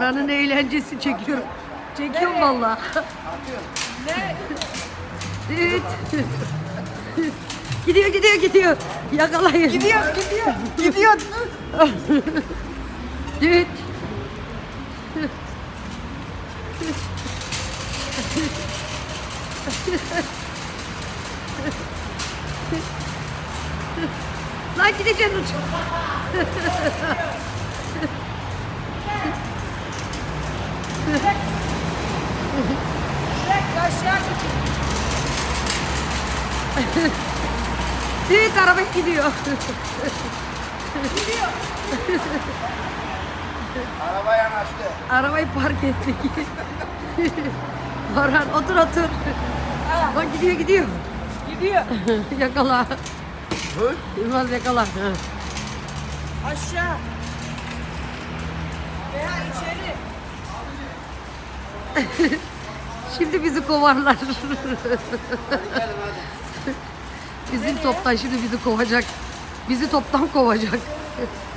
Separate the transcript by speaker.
Speaker 1: Baran'ın eğlencesi çekiyorum. Çekiyorum vallahi.
Speaker 2: Ne?
Speaker 1: Evet. Gidiyor. Yakalayın.
Speaker 2: Gidiyor. Gidiyor.
Speaker 1: Evet. Lan gideceksin uç.
Speaker 2: Direkt aşağı
Speaker 1: Evet, araba gidiyor.
Speaker 3: Araba yanaştı.
Speaker 1: Arabayı park ettik. Baran otur. Bak gidiyor.
Speaker 2: gidiyor.
Speaker 1: Yakala.
Speaker 3: Dur.
Speaker 1: Yılmaz yakala. Ha.
Speaker 2: Aşağı. Veya içeri.
Speaker 1: Şimdi bizi kovarlar.
Speaker 3: Hadi gelin hadi.
Speaker 1: Bizim toptan şimdi bizi kovacak. Bizi toptan kovacak.